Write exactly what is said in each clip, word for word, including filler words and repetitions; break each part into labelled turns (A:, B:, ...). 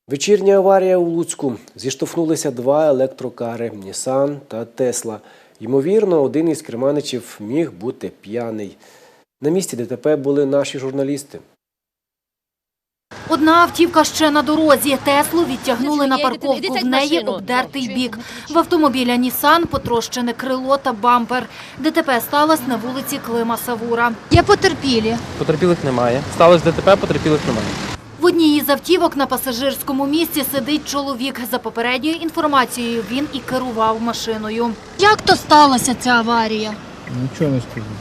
A: Вечірня аварія у Луцьку. Зіштовхнулися два електрокари – «Нісан» та «Тесла». Ймовірно, один із керманичів міг бути п'яний. На місці ДТП були наші журналісти.
B: Одна автівка ще на дорозі. Теслу відтягнули на парковку. В неї обдертий бік. В автомобіля «Нісан» потрощене крило та бампер. ДТП сталося на вулиці Клима Савура. Є потерпілі.
C: Потерпілих немає. Сталося ДТП, потерпілих немає.
B: В одній із автівок на пасажирському місці сидить чоловік. За попередньою інформацією, він і керував машиною. Як то сталася ця аварія?
D: Нічого не скажу.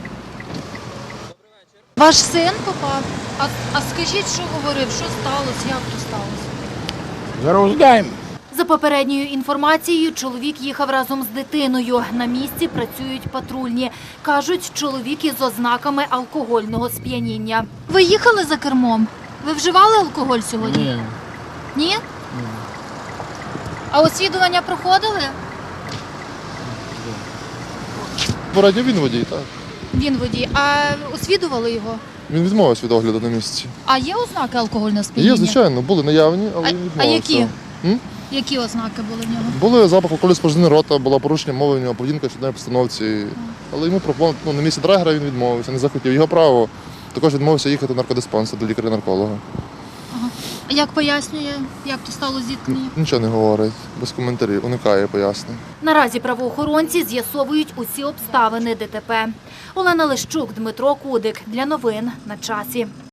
B: Ваш син попав. А, а скажіть, що говорив, що сталося, як то сталося?
D: Зараз узнаємо.
B: За попередньою інформацією, чоловік їхав разом з дитиною. На місці працюють патрульні. Кажуть, чоловік із ознаками алкогольного сп'яніння. Ви їхали за кермом? Ви вживали алкоголь сьогодні?
D: Ні.
B: Ні? Ні. А освідування проходили?
E: Порадньо він водій, так.
B: Він водій. А освідували його?
E: Він відмовився від огляду на місці.
B: А є ознаки алкогольного сп'яніння?
E: Є, звичайно, були наявні, але
B: А,
E: він
B: а
E: відмовився.
B: які?
E: М?
B: Які ознаки були в нього?
E: Були запах алкоголю спорожнини рота, була порушення мови в нього, поведінка в щоденній постановці. Але йому пропонували, ну, на місці драгера він відмовився, не захотів. Його право також відмовився їхати в наркодиспансер до лікаря-нарколога.
B: Ага. А як пояснює, як то стало зіткнення?
E: Нічого не говорить, без коментарів, уникає пояснень.
B: Наразі правоохоронці з'ясовують усі обставини ДТП. Олена Лищук, Дмитро Кудик. Для новин на часі.